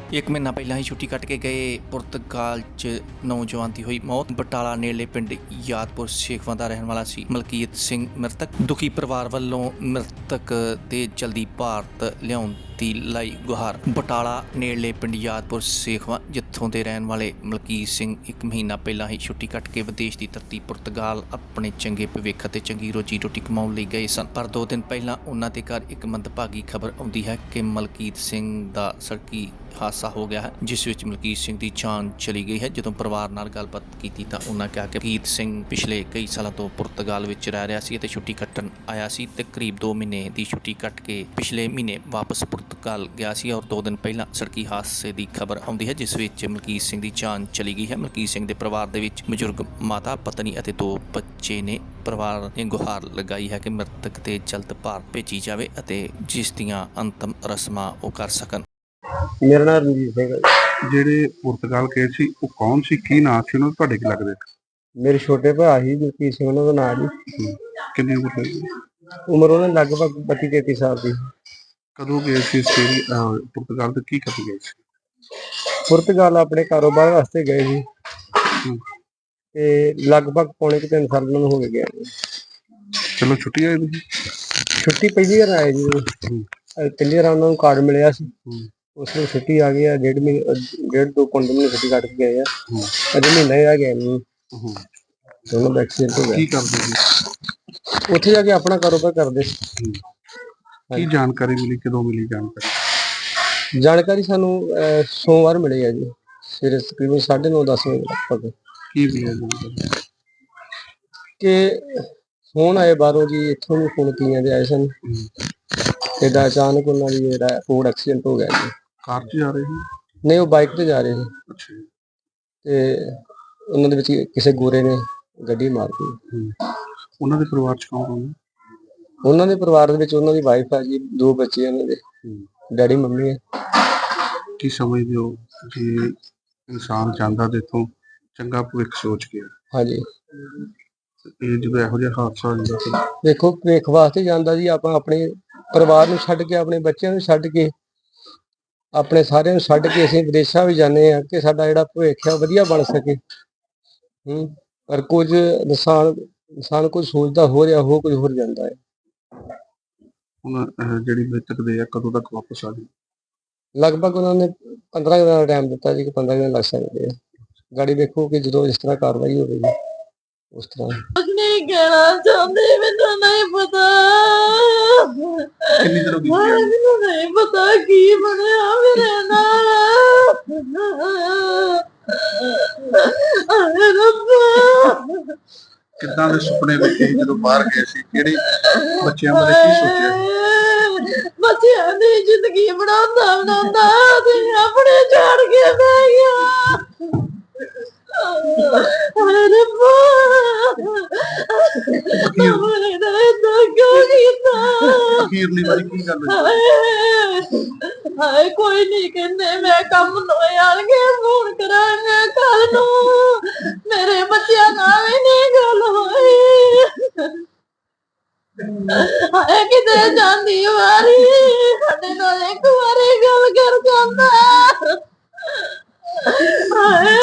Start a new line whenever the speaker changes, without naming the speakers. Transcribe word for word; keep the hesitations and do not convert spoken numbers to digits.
ਇੱਕ ਮਹੀਨਾ ਪਹਿਲਾਂ ਹੀ ਛੁੱਟੀ ਕੱਟ ਕੇ ਗਏ ਪੁਰਤਗਾਲ 'ਚ ਨੌਜਵਾਨ ਦੀ ਹੋਈ ਮੌਤ। ਬਟਾਲਾ ਨੇੜਲੇ ਪਿੰਡ ਯਾਦਪੁਰ ਸੇਖਵਾਂ ਦਾ ਰਹਿਣ ਵਾਲਾ ਸੀ ਮਲਕੀਤ ਸਿੰਘ ਮ੍ਰਿਤਕ। ਦੁਖੀ ਪਰਿਵਾਰ ਵੱਲੋਂ ਮ੍ਰਿਤਕ ਦੇ ਜਲਦੀ ਭਾਰਤ ਲਿਆਉਣ ਦੀ ਲਾਈ ਗੁਹਾਰ। ਬਟਾਲਾ ਨੇੜਲੇ ਪਿੰਡ ਯਾਦਪੁਰ ਸੇਖਵਾਂ ਜਿੱਥੋਂ ਦੇ ਰਹਿਣ ਵਾਲੇ ਮਲਕੀਤ ਸਿੰਘ ਇੱਕ ਮਹੀਨਾ ਪਹਿਲਾਂ ਹੀ ਛੁੱਟੀ ਕੱਟ ਕੇ ਵਿਦੇਸ਼ ਦੀ ਧਰਤੀ ਪੁਰਤਗਾਲ ਆਪਣੇ ਚੰਗੇ ਭਵਿੱਖ ਅਤੇ ਚੰਗੀ ਰੋਜੀ ਰੋਟੀ ਕਮਾਉਣ ਲਈ ਗਏ ਸਨ। ਪਰ ਦੋ ਦਿਨ ਪਹਿਲਾਂ ਉਹਨਾਂ ਦੇ ਘਰ ਇੱਕ ਮੰਦਭਾਗੀ ਖਬਰ ਆਉਂਦੀ ਹੈ ਕਿ ਮਲਕੀਤ ਸਿੰਘ ਦਾ ਸੜਕੀ ਹਾਦਸਾ ਹੋ ਗਿਆ ਹੈ, ਜਿਸ ਵਿੱਚ ਮਲਕੀਤ ਸਿੰਘ ਦੀ ਜਾਨ ਚਲੀ ਗਈ ਹੈ। ਜਦੋਂ ਪਰਿਵਾਰ ਨਾਲ ਗੱਲਬਾਤ ਕੀਤੀ ਤਾਂ ਉਹਨਾਂ ਕਿਹਾ ਕਿ ਮਲਕੀਤ ਸਿੰਘ ਪਿਛਲੇ ਕਈ ਸਾਲਾਂ ਤੋਂ ਪੁਰਤਗਾਲ ਵਿੱਚ ਰਹਿ ਰਿਹਾ ਸੀ ਅਤੇ ਛੁੱਟੀ ਕੱਟਣ ਆਇਆ ਸੀ ਤੇ ਕਰੀਬ ਦੋ ਮਹੀਨੇ ਦੀ ਛੁੱਟੀ ਕੱਟ ਕੇ ਪਿਛਲੇ ਮਹੀਨੇ ਵਾਪਸ ਪੁਰਤਗਾਲ ਗਿਆ ਸੀ ਔਰ ਦੋ ਦਿਨ ਪਹਿਲਾਂ ਸੜਕੀ ਹਾਦਸੇ ਦੀ ਖਬਰ ਆਉਂਦੀ ਹੈ, ਜਿਸ ਵਿੱਚ ਮਲਕੀਤ ਸਿੰਘ ਦੀ ਜਾਨ ਚਲੀ ਗਈ ਹੈ। ਮਲਕੀਤ ਸਿੰਘ ਦੇ ਪਰਿਵਾਰ ਦੇ ਵਿੱਚ ਬਜ਼ੁਰਗ ਮਾਤਾ, ਪਤਨੀ ਅਤੇ ਦੋ ਬੱਚੇ ਨੇ। ਪਰਿਵਾਰ ਨੇ ਗੁਹਾਰ ਲਗਾਈ ਹੈ ਕਿ ਮ੍ਰਿਤਕ ਤੇ ਜਲਦ ਭਾਰਤ ਭੇਜੀ ਜਾਵੇ ਅਤੇ ਜਿਸ ਦੀਆਂ ਅੰਤਮ ਰਸਮਾਂ ਉਹ ਕਰ ਸਕਣ।
ਮੇਰਾ ਨਾਮ ਰਣਜੀਤ ਸਿੰਘ ਹੈ।
ਜਿਹੜੇ ਪੁਰਤਗਾਲ ਗਏ ਸੀ ਉਹ ਕੌਣ ਸੀ, ਕੀ ਨਾਂ ਸੀ ਉਹਨਾਂ ਦਾ, ਤੁਹਾਡੇ ਕੀ ਲੱਗਦੇ?
ਮੇਰੇ ਛੋਟੇ ਭਰਾ ਸੀ ਮਲਕੀਤ ਸਿੰਘ, ਉਹਨਾਂ ਦਾ ਨਾਂ ਜੀ।
ਕਿੰਨੀ ਉਮਰ ਸੀ?
ਉਮਰ ਉਹਨਾਂ ਦੀ ਲਗਭਗ ਬੱਤੀ ਤੇਤੀ ਸਾਲ ਦੀ।
ਕਦੋਂ ਗਏ ਸੀ ਆਸਟ੍ਰੇਲੀਆ ਪੁਰਤਗਾਲ ਤੇ ਕੀ ਕਰਨ ਗਏ ਸੀ?
ਪੁਰਤਗਾਲ ਆਪਣੇ ਕਾਰੋਬਾਰ ਵਾਸਤੇ ਗਏ ਸੀ ਤੇ ਲਗਭਗ ਪੌਣੇ ਕੁ ਤਿੰਨ ਸਾਲ ਉਹਨਾਂ ਨੂੰ ਹੋ ਗਏ ਗਿਆ।
ਚਲੋ ਛੁੱਟੀ ਆਏ ਤੁਸੀਂ?
ਛੁੱਟੀ ਪਹਿਲੀ ਵਾਰ ਆਏ ਜੀ। ਪਹਿਲੀ ਵਾਰ ਉਹਨਾਂ ਨੂੰ ਕਾਰਡ ਮਿਲਿਆ ਸੀ, ਉਸ ਨੂੰ ਛੁੱਟੀ ਆ ਗਈ ਆ। ਡੇਢ ਮਹੀਨੇ ਡੇਢ ਦੋ ਪੰਜ ਮਹੀਨੇ ਛੁੱਟੀ ਕੱਟ ਕੇ ਗਏ ਆ। ਅਜੇ ਮਹੀਨਾ ਹੀ ਰਹਿ ਗਿਆ ਨਹੀਂ। ਦੋਨੋਂ ਦਾ ਐਕਸੀਡੈਂਟ ਹੋ ਗਿਆ।
ਕੀ ਕਰਦੇ ਸੀ
ਉੱਥੇ ਜਾ ਕੇ? ਆਪਣਾ ਕਾਰੋਬਾਰ ਕਰਦੇ।
ਕੀ ਜਾਣਕਾਰੀ ਮਿਲੀ, ਕਦੋਂ ਮਿਲੀ ਜਾਣਕਾਰੀ?
ਜਾਣਕਾਰੀ ਸਾਨੂੰ ਸੋਮਵਾਰ ਮਿਲੀ ਹੈ ਜੀ, ਸਵੇਰੇ ਤਕਰੀਬਨ ਸਾਢੇ ਨੌ ਦਸ ਵਜੇ ਲਗਭਗ।
ਕੀ ਮਿਲਿਆ ਜਾਣਕਾਰੀ?
ਕਿ ਫੋਨ ਆਏ ਬਾਹਰੋਂ ਜੀ, ਇੱਥੋਂ ਵੀ ਫੋਨ ਕੀਆਂ ਦੇ ਆਏ ਸਨ। ਏਦਾਂ ਅਚਾਨਕ ਉਹਨਾਂ ਦੀ ਜਿਹੜਾ ਰੋਡ ਐਕਸੀਡੈਂਟ ਹੋ ਗਿਆ ਜੀ।
ਕਾਰ 'ਚ ਜਾ ਰਹੇ ਸੀ?
ਨਹੀਂ, ਉਹ ਬਾਈਕ ਤੇ ਜਾ ਰਹੇ ਸੀ
ਅੱਛਾ।
ਤੇ ਉਹਨਾਂ ਦੇ ਵਿੱਚ ਕਿਸੇ ਗੋਰੇ ਨੇ ਗੱਡੀ ਮਾਰ ਦਿੱਤੀ।
ਉਹਨਾਂ ਦੇ ਪਰਿਵਾਰ 'ਚ ਕੌਣ ਕੌਣ?
ਉਹਨਾਂ ਦੇ ਪਰਿਵਾਰ ਦੇ ਵਿੱਚ ਉਹਨਾਂ ਦੀ ਵਾਈਫ ਆ ਜੀ, ਦੋ ਬੱਚੇ ਉਹਨਾਂ ਦੇ, ਡੈਡੀ ਮੰਮੀ ਹੈ।
ਕੀ ਸਮਝਦੇ ਹੋ ਜੇ ਇਨਸਾਨ ਜਾਂਦਾ ਤੇ ਇੱਥੋਂ ਚੰਗਾ ਭਵਿੱਖ ਸੋਚ ਕੇ,
ਹਾਂਜੀ,
ਇਹ ਜਦੋਂ ਇਹੋ ਜਿਹਾ ਹਾਦਸਾ ਹੋ ਜਾਂਦਾ?
ਦੇਖੋ, ਭਵਿੱਖ ਵਾਸਤੇ ਜਾਂਦਾ ਜੀ। ਆਪਾਂ ਆਪਣੇ ਪਰਿਵਾਰ ਨੂੰ ਛੱਡ ਕੇ, ਆਪਣੇ ਬੱਚਿਆਂ ਨੂੰ ਛੱਡ ਕੇ, ਆਪਣੇ ਸਾਰਿਆਂ ਨੂੰ ਛੱਡ ਕੇ ਅਸੀਂ ਵਿਦੇਸ਼ਾਂ ਵੀ ਜਾਂਦੇ ਹਾਂ ਕਿ ਸਾਡਾ ਜਿਹੜਾ ਭਵਿੱਖ ਹੈ ਉਹ ਵਧੀਆ ਬਣ ਸਕੇ। ਹੂੰ ਪਰ ਕੁਝ ਇਨਸਾਨ ਇਨਸਾਨ ਕੁਝ ਸੋਚਦਾ ਹੋ ਰਿਹਾ, ਹੋ ਕੁਝ ਹੋਰ ਜਾਂਦਾ ਹੈ।
ਹੁਣ ਜਿਹੜੀ ਮ੍ਰਿਤਕ ਦੇ ਆ ਕਦੋਂ ਤੱਕ ਵਾਪਸ ਆ ਜਾਏ?
ਲਗਭਗ ਉਹਨਾਂ ਨੇ ਪੰਦਰਾਂ ਦਿਨਾਂ ਦਾ ਟਾਈਮ ਦਿੱਤਾ ਜੀ ਕਿ ਪੰਦਰਾਂ ਦਿਨ ਲੱਗ ਸਕਦੇ ਆ। ਗਾੜੀ ਵੇਖੋ ਕਿ ਜਦੋਂ ਇਸ ਤਰ੍ਹਾਂ ਕਾਰਵਾਈ ਹੋਵੇਗੀ ਉਸ ਤਰ੍ਹਾਂ।
ਕੁਝ ਨਹੀਂ ਕਹਿਣਾ ਚਾਹੁੰਦੀ, ਮੈਨੂੰ ਨਹੀਂ ਪਤਾ।
ਕਿੰਨੀ ਦੇਰ ਹੋ ਗਈ?
ਮੈਨੂੰ ਨਹੀਂ ਪਤਾ ਕੀ ਬਣਿਆ ਮੇਰੇ ਨਾਲ। ਹਾਏ ਰੱਬਾ,
ਕਿੱਦਾਂ ਦੇ ਸੁਪਨੇ ਵੇਖੇ ਜਦੋਂ ਬਾਹਰ ਗਏ ਸੀ? ਕਿਹੜੇ ਬੱਚਿਆਂ ਬਾਰੇ ਕੀ ਸੋਚਿਆ?
ਬੱਚਿਆਂ ਦੀ ਜ਼ਿੰਦਗੀ ਬਣਾਉਂਦਾ ਬਣਾਉਂਦਾ ਤੇ ਆਪਣੇ ਛੱਡ ਕੇ ਬਹਿ ਗਿਆ। ਹਾਏ ਰੱਬਾ,
ਅਖੀਰਲੀ ਵਾਰੀ ਕੀ ਗੱਲ ਹੋਈ?
ਹਾਏ ਕੋਈ ਨਹੀਂ ਕਹਿੰਦੇ, ਮੈਂ ਕੰਮ ਲੋਏ ਆਣਗੇ ਫੋਨ ਕਰਾਂਗੇ ਕੱਲ ਨੂੰ। ਮੇਰੇ ਬੱਚਿਆਂ ਨਾਲ ਵੀ ਨਹੀਂ ਗੱਲ ਹੋਈ। ਹਾਏ ਕਿਤੇ ਜਾਂਦੀ ਵਾਰੀ ਸਾਡੇ ਨਾਲ ਇੱਕ ਵਾਰੀ ਗੱਲ ਕਰ ਜਾਂਦਾ। ਹਾਏ